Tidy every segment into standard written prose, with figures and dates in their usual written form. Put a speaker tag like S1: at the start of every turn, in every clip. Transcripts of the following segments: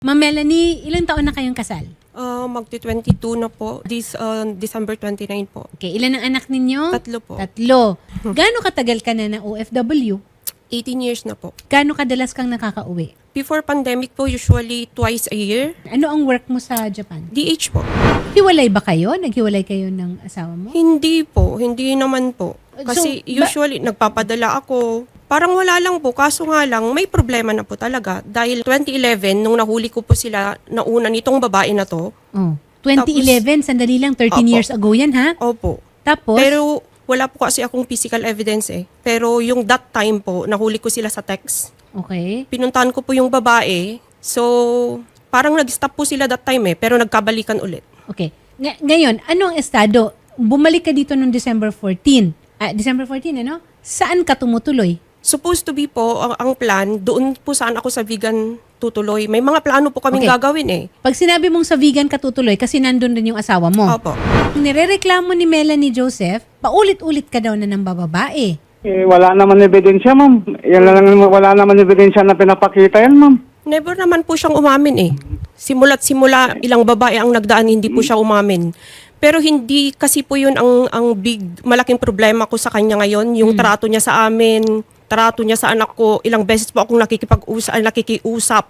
S1: Ma'am Melanie, ilang taon na kayong kasal?
S2: Magti-22 na po. This December 29 po.
S1: Okay, ilan ang anak ninyo?
S2: 3 po.
S1: 3. Gaano katagal ka na OFW?
S2: 18 years na po.
S1: Gaano kadalas kang nakakauwi?
S2: Before pandemic po, usually twice a year.
S1: Ano ang work mo sa Japan?
S2: DH po.
S1: Hiwalay ba kayo? Naghiwalay kayo ng asawa mo?
S2: Hindi po. Hindi naman po. Kasi
S1: So,
S2: usually nagpapadala ako. Parang wala lang po. Kaso nga lang, may problema na po talaga. Dahil 2011, nung nahuli ko po sila nauna nitong babae na to.
S1: Oh, 2011, sandali lang, 13
S2: Opo.
S1: years ago yan ha?
S2: Opo.
S1: Tapos,
S2: Pero wala po kasi akong physical evidence eh. Pero yung that time po, nahuli ko sila sa text.
S1: okay.
S2: Pinuntahan ko po yung babae. So, parang nag-stop po sila that time eh. Pero nagkabalikan ulit.
S1: Okay. Ngayon, ano ang estado? Bumalik ka dito noong December 14. December 14, ano? Saan ka tumutuloy?
S2: Supposed to be po, ang plan, doon po saan ako sa vegan tutuloy. May mga plano po kaming
S1: Okay.
S2: gagawin eh.
S1: Pag sinabi mong sa vegan ka tutuloy, kasi nandun din yung asawa mo.
S2: Opo.
S1: Nirereklamo ni Melanie Joseph, paulit-ulit ka daw na ng bababae.
S3: Eh, wala naman ebidensya, ma'am. Yan lang, wala naman ebidensya na pinapakita yan, ma'am.
S2: Never naman po siyang umamin eh. Simula't simula, ilang babae ang nagdaan, hindi po siya umamin. Pero hindi kasi po yun ang malaking problema ko sa kanya ngayon. Yung trato niya sa amin, trato niya sa anak ko. Ilang beses po akong nakikiusap.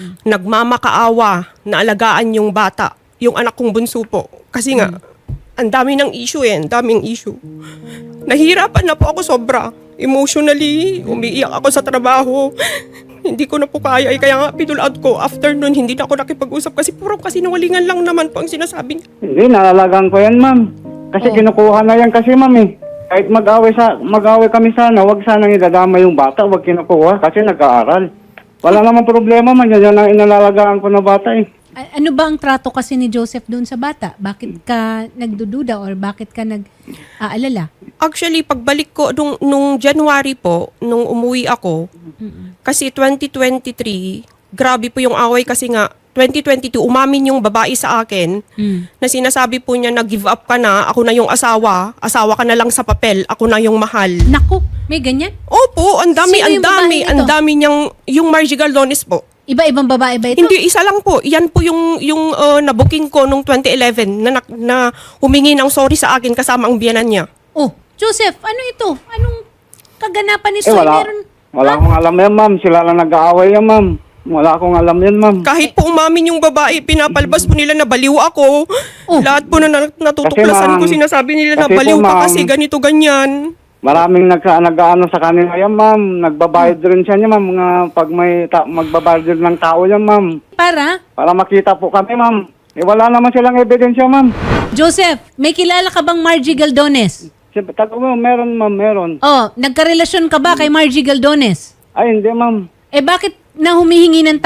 S2: Nagmamakaawa na alagaan yung bata. Yung anak kong bunso po. Kasi nga, ang dami ng issue eh. Ang daming issue. Nahihirapan na po ako sobra. Emotionally, umiiyak ako sa trabaho. Hindi ko na po kaya. Kaya nga, pinulad ko. After nun, hindi na ako nakipag-usap kasi puro kasinungalingan lang naman po ang sinasabi niya.
S3: Hindi, nalalagaan ko yan, ma'am. Kasi kinukuha na yan kasi, ma'am, eh. Kahit mag-away kami sana, wag sanang idadama yung bata, wag kinukuha kasi nag-aaral. Wala namang problema, man. Yan ang inalalagaan ko na bata, eh.
S1: Ano ba ang trato kasi ni Joseph doon sa bata? Bakit ka nagdududa or bakit ka nag-aalala?
S2: Actually, pagbalik ko nung January po, nung umuwi ako, kasi 2023, grabe po yung away kasi nga, 2022, umamin yung babae sa akin na sinasabi po niya na give up ka na, ako na yung asawa ka na lang sa papel, ako na yung mahal.
S1: Naku, may ganyan?
S2: Opo, ang dami,
S1: Sino yung babae
S2: ang
S1: nito?
S2: dami niyang, yung Margie Galdones po.
S1: Iba-ibang babae ba ito?
S2: Hindi, isa lang po. Yan po yung nabuking ko nung 2011 na humingi ng sorry sa akin kasama ang biyanan niya.
S1: Oh, Joseph, ano ito? Anong kaganapan ni
S3: Eh,
S1: Soy?
S3: wala akong alam yan, ma'am. Sila lang nag-aaway yan, ma'am. Wala akong alam yan, ma'am.
S2: Kahit po umamin yung babae, pinapalabas po nila na baliw ako.
S1: Oh.
S2: Lahat po na natutuklasan
S3: Kasi,
S2: ko,
S3: ma'am,
S2: sinasabi nila na
S3: kasi po,
S2: baliw ka
S3: ma'am,
S2: kasi ganito, ganyan.
S3: Maraming nag-ano sa kanila yan, ma'am. Nagbabayad rin siya niya, ma'am. Mga pag may magbabayad din ng tao yan, ma'am.
S1: Para?
S3: Para makita po kami, ma'am. Eh, wala naman silang ebidensya, ma'am.
S1: Joseph, may kilala ka bang Margie Galdones?
S3: Siyempre, meron, ma'am, meron.
S1: Oh, nagkarelasyon ka ba kay Margie Galdones?
S3: Ay, hindi, ma'am.
S1: Eh bakit na humingi ng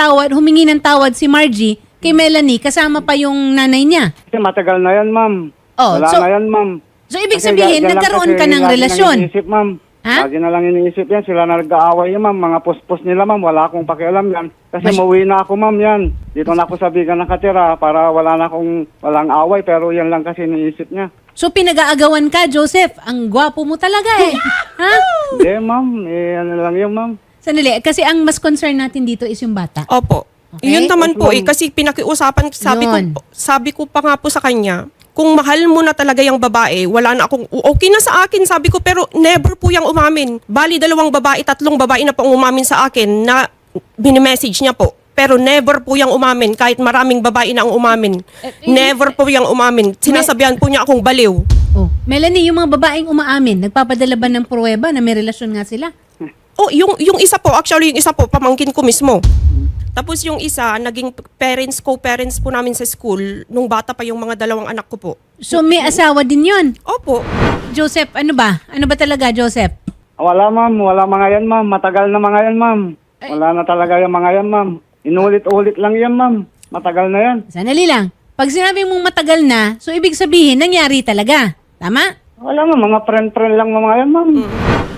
S1: tawad si Margie kay Melanie kasama pa yung nanay niya?
S3: Kasi matagal na yan, ma'am.
S1: Oh,
S3: Wala
S1: so-
S3: na yan, ma'am.
S1: So ibig
S3: Kasi
S1: sabihin,
S3: yan lang
S1: nagkaroon
S3: kasi
S1: ka ng
S3: lagi
S1: relasyon?
S3: nang iniisip, ma'am.
S1: Ha?
S3: Lagi na lang iniisip yan. Sila na nag-aaway yan, ma'am. Mga pospos nila, ma'am. Wala akong pakialam yan. Kasi mauwi na ako, ma'am, yan. Dito na ako sa Bigan nakatira para walang away. Pero yan lang kasi iniisip niya.
S1: So pinag-aagawan ka, Joseph. Ang gwapo mo talaga eh. Ha?
S3: Hindi, ma'am. Eh, ano lang yun, ma'am.
S1: Sandali, kasi ang mas concern natin dito is yung bata.
S2: Opo.
S1: Okay.
S2: Yun naman
S3: Yes,
S2: po
S3: ma'am.
S2: eh, kasi pinakiusapan,
S1: Yun.
S2: sabi ko pa nga po sa kanya, kung mahal mo na talaga yung babae, wala na akong, okay na sa akin, sabi ko, pero never po yung umamin. Bali, 2 babae, 3 babae na po ang umamin sa akin na binimessage niya po. Pero never po yung umamin, kahit maraming babae na ang umamin. Never po yung umamin. Sinasabihan po niya akong baliw.
S1: Oh, Melanie, yung mga babaeng umaamin, nagpapadala ba ng pruweba na may relasyon nga sila?
S2: Oh, yung isa po, actually yung isa po, pamangkin ko mismo. Tapos yung isa, naging co-parents po namin sa school, nung bata pa yung mga 2 anak ko po.
S1: So may asawa din yon.
S2: Opo.
S1: Joseph, ano ba? Ano ba talaga, Joseph?
S3: Wala, ma'am. Wala mga yan, ma'am. Matagal na mga yan, ma'am. Wala na talaga yung mga yan, ma'am. Inulit-ulit lang yan, ma'am. Matagal na yan.
S1: Sanali lang. Pag sinabi mong matagal na, so ibig sabihin, nangyari talaga. Tama?
S3: Wala, ma'am. Mga friend-friend lang mga yan, ma'am.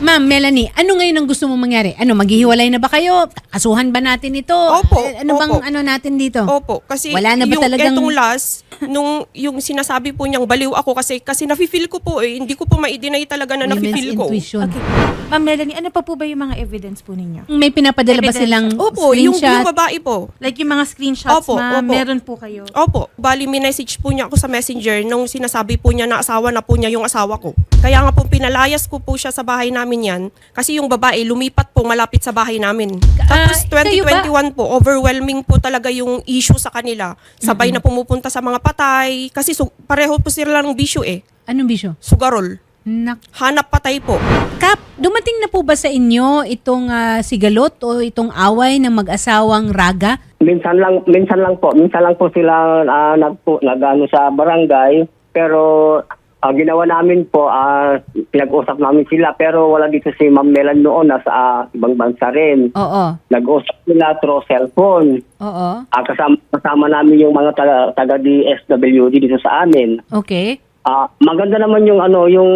S1: Ma'am Melanie, ano ngayon ang gusto mo mangyari? Ano, maghihiwalay na ba kayo? Kasuhan ba natin ito?
S2: Opo,
S1: Ano bang
S2: opo.
S1: ano natin dito?
S2: Opo, kasi
S1: Wala na ba
S2: yung
S1: talagang-
S2: etong last, yung sinasabi po niyang baliw ako kasi nafe-feel ko po eh, hindi ko po ma-deny talaga na
S1: Women's
S2: nafe-feel ko.
S1: intuition.
S4: Okay. Ma'am Melanie, ano pa po ba yung mga evidence po ninyo?
S1: May pinapadala ba
S4: Evidence.
S1: silang
S2: Opo, yung
S1: screenshot?
S2: babae po.
S4: Like yung mga screenshots,
S2: Opo,
S4: ma'am,
S2: opo.
S4: meron po kayo.
S2: Opo, bali minessage po niya ako sa messenger nung sinasabi po niya na asawa na po niya yung asawa ko. Kaya nga po pinalayas ko po siya sa bahay namin yan kasi yung babae lumipat po malapit sa bahay namin. Tapos
S1: kayo ba?
S2: 2021 po, overwhelming po talaga yung issue sa kanila. Sabay na pumupunta sa mga patay kasi pareho po sila ng bisyo eh.
S1: Anong bisyo?
S2: Sugarol. Hanap patay po.
S1: Kap, dumating na po ba sa inyo itong sigalot o itong away ng mag-asawang Raga?
S5: Minsan lang po sila nagano sa barangay, pero ginawa namin po, pinag-usap namin sila, pero wala dito si Ma'am Melan noon, nasa ibang bansa rin.
S1: Oo.
S5: Nag-usap sila through cellphone.
S1: Oo.
S5: Kasama namin yung mga taga DSWD dito sa amin.
S1: Okay.
S5: Maganda naman yung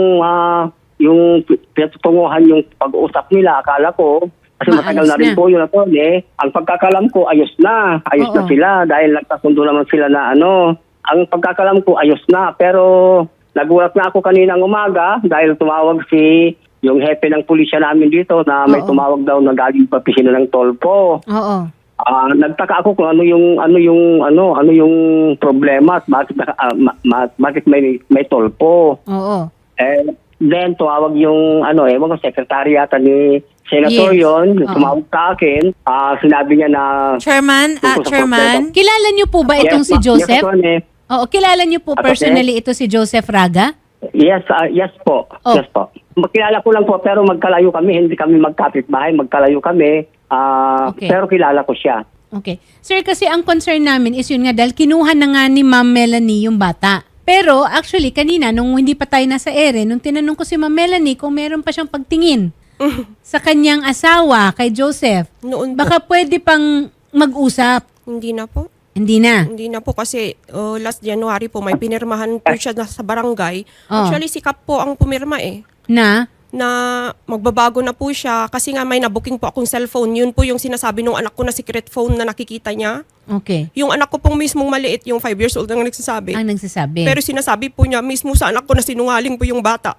S5: yung pinatunguhan yung pag-uusap nila, akala ko. Kasi matagal
S1: Ayos
S5: na rin
S1: na.
S5: po yun Ang pagkakalam ko, ayos na. Ayos na
S1: Oo.
S5: sila dahil nagkasundo naman sila na Ang pagkakalam ko, ayos na. Pero nagulat na ako kaninang umaga dahil tumawag yung hepe ng pulisya namin dito na may
S1: Oo.
S5: tumawag daw na galing pa pisino ng tolpo.
S1: Oo.
S5: Nagtaka ako kung ano yung problema at bakit may tolpo.
S1: Oo.
S5: Then tumawag yung ewan ko, secretary yata ni Senator
S1: Yes.
S5: yon,
S1: Oo.
S5: tumawag sa akin, sinabi niya na
S4: Chairman,
S5: Tungkol sa
S4: Chairman,
S1: Kilala niyo po ba itong si Joseph?
S5: Yes, Atty.
S1: Oo, kilala niyo po
S5: Atty.
S1: personally ito si Joseph Raga?
S5: Yes, yes po.
S1: Oh.
S5: Yes po. Makilala ko lang po pero magkalayo kami, hindi kami magkapit-bahay, magkalayo kami.
S1: Okay.
S5: Pero kilala ko siya.
S1: Okay. Sir, kasi ang concern namin is yun nga dahil kinuha na nga ni Ma'am Melanie yung bata. Pero actually, kanina, nung hindi pa tayo nasa ere, nung tinanong ko si Ma'am Melanie kung meron pa siyang pagtingin sa kanyang asawa, kay Joseph,
S2: Noon po.
S1: baka pwede pang mag-usap.
S2: Hindi na po.
S1: Hindi na.
S2: Hindi na po kasi last January po may pinirmahan po siya sa barangay.
S1: Oh.
S2: Actually si Kap po ang pumirma eh.
S1: Na?
S2: Na magbabago na po siya kasi nga may nabuking po akong cellphone. Yun po yung sinasabi nung anak ko na secret phone na nakikita niya.
S1: Okay.
S2: Yung anak ko pong mismong maliit, yung 5 years old ang nagsasabi.
S1: Ang nagsasabi.
S2: Pero sinasabi po niya mismo sa anak ko na sinungaling po yung bata.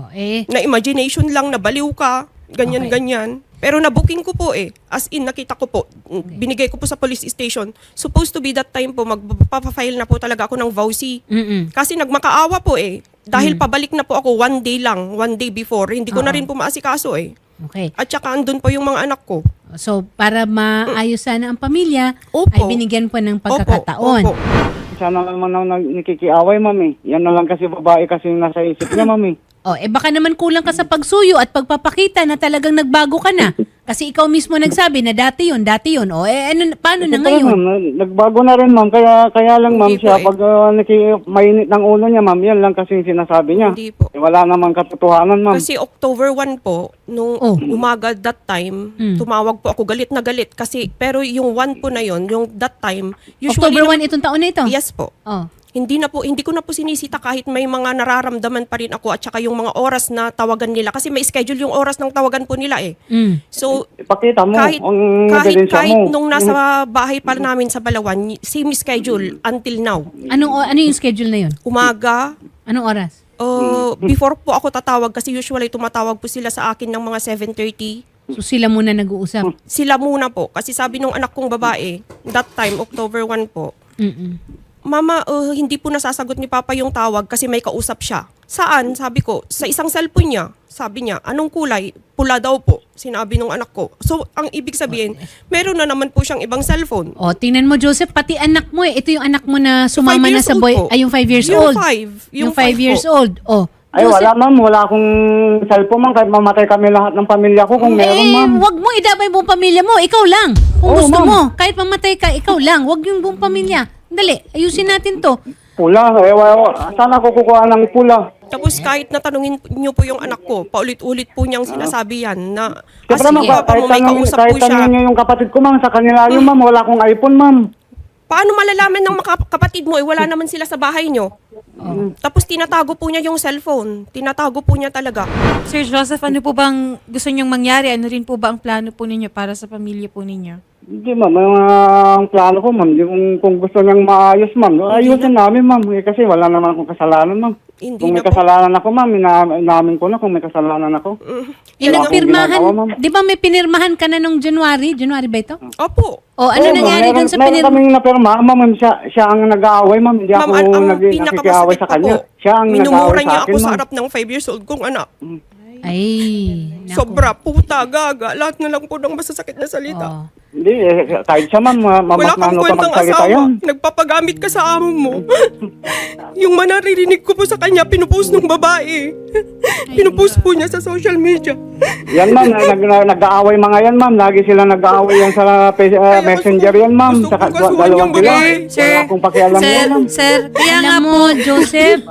S2: Na imagination lang, na baliw ka, ganyan-ganyan. Pero nabuking ko po eh. As in, nakita ko po. Binigay ko po sa police station. Supposed to be that time po, magpapafile na po talaga ako ng vowsy. Kasi nagmakaawa po eh. Dahil pabalik na po ako one day before. Hindi ko na rin po maasikaso eh.
S1: Okay.
S2: At saka andun po yung mga anak ko.
S1: So, para maayos sana ang pamilya,
S2: Opo.
S1: ay binigyan po ng pagkakataon.
S2: Opo.
S3: Sana naman ako nakikiaway, ma'am eh. Yan na lang kasi babae kasi yung nasa isip niya, ma'am eh.
S1: O, baka naman kulang ka sa pagsuyo at pagpapakita na talagang nagbago ka na. Kasi ikaw mismo nagsabi na dati yun. O, paano na
S3: Ito,
S1: ngayon?
S3: ma'am, nagbago na rin, ma'am. Kaya lang, ma'am,
S2: Hindi
S3: siya,
S2: po eh.
S3: pag mainit ng ulo niya, ma'am, yan lang kasi yung sinasabi niya.
S2: Hindi po.
S3: Wala namang katotohanan, ma'am.
S2: Kasi October 1 po, nung umaga that time, tumawag po ako, galit na galit. Kasi, pero yung 1 po na yon, yung that time, usually...
S1: October 1 itong taon na ito?
S2: Yes po.
S1: Oh.
S2: Hindi ko na po sinisita kahit may mga nararamdaman pa rin ako at saka yung mga oras na tawagan nila. Kasi may schedule yung oras ng tawagan po nila eh. So,
S3: Ipakita mo
S2: kahit
S3: ang ebidensya mo.
S2: nung nasa bahay pa namin sa Balawan, same schedule until now.
S1: Ano yung schedule na yun?
S2: Umaga,
S1: Anong oras?
S2: before po ako tatawag kasi usually tumatawag po sila sa akin ng mga 7:30.
S1: So sila muna nag-uusap?
S2: Sila muna po. Kasi sabi nung anak kong babae, that time, October 1 po, Mama, hindi po nasasagot ni Papa yung tawag kasi may kausap siya. Saan? Sabi ko, sa isang cellphone niya. Sabi niya, anong kulay? Pula daw po, sinabi nung anak ko. So, ang ibig sabihin, meron na naman po siyang ibang cellphone.
S1: O, tingnan mo, Joseph, pati anak mo eh. Ito yung anak mo na sumama
S2: 5
S1: na
S2: years
S1: sa
S2: old
S1: boy.
S2: po.
S1: Ay, yung 5 years
S2: Yung
S1: old.
S2: 5.
S1: Yung 5 years
S2: po.
S1: old. O.
S3: Ay, wala, ma'am. Wala akong cellphone, ma'am. Kahit mamatay kami lahat ng pamilya ko kung meron, ma'am.
S1: Wag mo idamay buong pamilya mo. Ikaw lang. Kung
S3: Oo,
S1: gusto
S3: ma'am.
S1: mo, kahit mamatay ka, ikaw lang. Wag yung buong pamilya. Dali, ayusin natin to.
S3: Pula. Saan ako kukuha ng pula?
S2: Tapos kahit natanungin niyo po yung anak ko, paulit-ulit po niyang sinasabi yan na
S3: Siyempre, ma'am,
S2: Papa mo, may kausap po
S3: kahit
S2: siya.
S3: tanongin niyo yung kapatid ko, ma'am. Sa kanila yun, ma'am. Wala akong iPhone, ma'am.
S2: Paano malalaman ng mga kapatid mo, wala naman sila sa bahay nyo? Tapos tinatago po niya yung cellphone. Tinatago po niya talaga.
S4: Sir Joseph, ano po bang gusto niyong mangyari? Ano rin po ba ang plano po ninyo para sa pamilya po ninyo?
S3: Hindi ma'am, ang plano ko ma'am, yung kung gusto niyang maayos ma'am, ayusin namin ma'am, kasi wala naman akong kasalanan ma'am.
S2: Hindi
S3: Kung may
S2: na po.
S3: kasalanan ako ma'am, inamin ko na kung may kasalanan ako. Wala akong ginagawa, ma'am.
S1: Di ba may pinirmahan ka na nung January? January ba ito?
S2: Opo.
S1: O ano
S3: Oo,
S1: nangyari
S3: ma'am,
S1: dun sa
S3: meron
S1: pinirmahan?
S3: kaming napirma, ma'am, siya ang nag-aaway ma'am, hindi
S2: Ma'am,
S3: ako
S2: ang
S3: nakikiaway
S2: pinakamasakit
S3: sa
S2: pa
S3: kanya.
S2: po,
S3: Siya ang
S2: minumura
S3: nag-aaway
S2: niya
S3: sa akin
S2: ako sa
S3: ma'am.
S2: harap ng 5 years old kong anak.
S1: Ay, naku.
S2: Sobra, puta, gaga. Lahat na lang po ng masasakit na salita.
S1: Oh.
S3: Hindi, kahit siya ma'am,
S2: Wala kang
S3: mamasmano pa
S2: kwentang
S3: magsalita
S2: asawa.
S3: yan.
S2: Nagpapagamit ka sa amo mo. Yung manaririnig ko po sa kanya, pinupost ng babae. Pinupost po niya sa social media.
S3: Yan ma'am, nag-aaway mga yan ma'am, lagi sila nag-aaway yan sa messenger yan ma'am,
S2: gusto
S3: sa
S2: kong kasuhan
S3: dalawang
S2: yung
S3: sila.
S2: babae.
S3: Wala akong pakialam yan ma'am.
S4: Sir, kaya nga
S1: Alam mo, Joseph,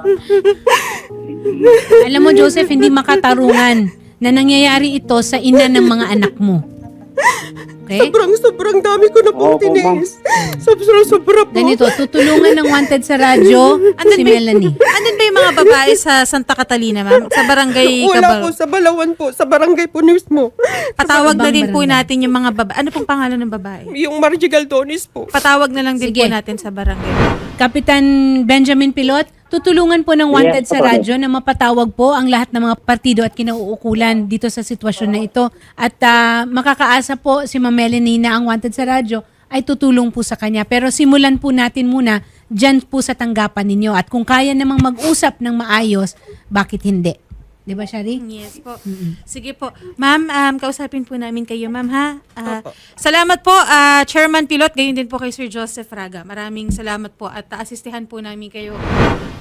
S1: alam mo, Joseph, hindi makatarungan na nangyayari ito sa ina ng mga anak mo. Okay?
S2: Sobrang dami ko na pong
S3: Opo, ma'am.
S2: tiniis. Sobra po.
S1: Ganito, tutulungan ng wanted sa radyo si Melanie.
S4: Andun ba yung mga babae sa Santa Catalina, ma'am? Sa barangay
S2: Wala po,
S4: Cabal?
S2: sa Balawan po, sa barangay po mismo.
S4: Patawag na
S1: ibang
S4: din po
S1: barangay.
S4: natin yung mga babae. Ano pong pangalan ng babae?
S2: Yung Margie Galdonis po.
S4: Patawag na lang din
S1: Sige.
S4: po natin sa barangay.
S1: Kapitan Benjamin Pilot, tutulungan po ng wanted
S3: Yes,
S1: sa
S3: Papa.
S1: radyo na mapatawag po ang lahat ng mga partido at kinauukulan dito sa sitwasyon na ito. At makakaasa po si Ma'am Melanie na ang wanted sa radyo ay tutulong po sa kanya. Pero simulan po natin muna dyan po sa tanggapan ninyo. At kung kaya namang mag-usap ng maayos, bakit hindi? Di ba, Shari?
S4: Yes po. Sige po. Ma'am, kausapin po namin kayo, ma'am, ha? Salamat po, Chairman Pilot, gayon din po kay Sir Joseph Raga. Maraming salamat po at asistihan po namin kayo.